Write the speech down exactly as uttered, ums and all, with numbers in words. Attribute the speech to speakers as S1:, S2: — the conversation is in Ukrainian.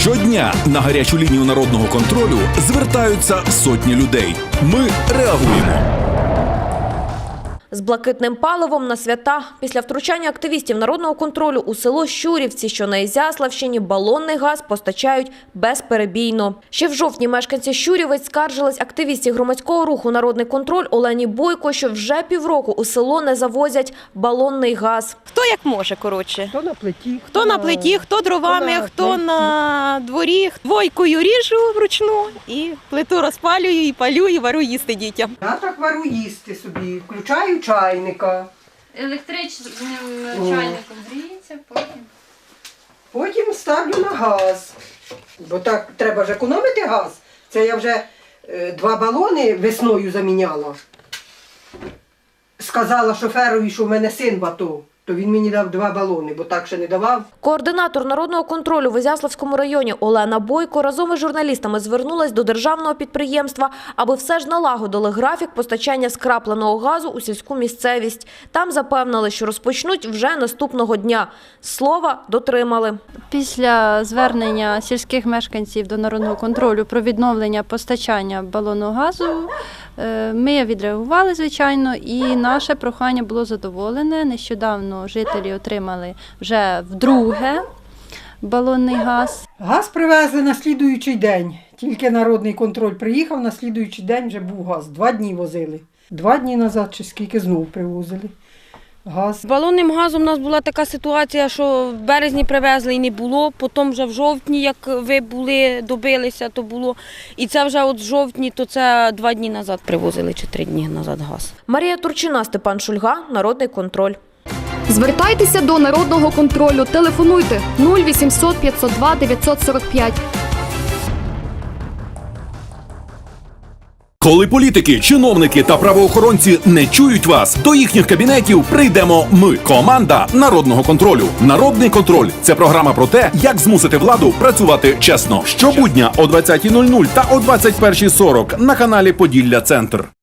S1: Щодня на гарячу лінію народного контролю звертаються сотні людей. Ми реагуємо.
S2: З блакитним паливом на свята. Після втручання активістів народного контролю у село Щурівці, що на Ізяславщині, балонний газ постачають безперебійно. Ще в жовтні мешканці Щурівець скаржились активісті громадського руху «Народний контроль» Олені Бойко, що вже півроку у село не завозять балонний газ.
S3: Хто як може, коротше.
S4: Хто на плиті,
S3: Хто, хто на плиті, хто дровами,
S4: хто на
S3: хто
S4: плиті.
S3: на дворі. Двойкою ріжу вручну і плиту розпалюю, і палю, і варю їсти дітям.
S4: Я так вару їсти собі, включаю чайника.
S5: Електричним чайником гріється, потім.
S4: Потім ставлю на газ. Бо так треба ж економити газ. Це я вже е, два балони весною заміняла. Сказала шоферові, що в мене син в АТО. То він мені дав два балони, бо так ще не давав.
S2: Координатор народного контролю в Ізяславському районі Олена Бойко разом із журналістами звернулась до державного підприємства, аби все ж налагодили графік постачання скрапленого газу у сільську місцевість. Там запевнили, що розпочнуть вже наступного дня. Слова дотримали.
S6: Після звернення сільських мешканців до народного контролю про відновлення постачання балонного газу ми відреагували, звичайно, і наше прохання було задоволене. Нещодавно жителі отримали вже вдруге балонний газ.
S4: Газ привезли на слідуючий день. Тільки народний контроль приїхав, на слідуючий день вже був газ. Два дні возили. Два дні назад чи скільки знов привозили газ.
S7: З балонним газом у нас була така ситуація, що в березні привезли і не було, потім вже в жовтні, як ви були, добилися, то було. І це вже от в жовтні, то це два дні назад привозили, чи три дні назад газ.
S2: Марія Турчина, Степан Шульга, Народний контроль.
S8: Звертайтеся до народного контролю. Телефонуйте нуль вісімсот п'ятсот два дев'ятсот сорок п'ять.
S1: Коли політики, чиновники та правоохоронці не чують вас, до їхніх кабінетів прийдемо ми, команда Народного контролю. Народний контроль – це програма про те, як змусити владу працювати чесно. Щобудня о двадцятій нуль нуль та о двадцять першій сорок на каналі Поділля Центр.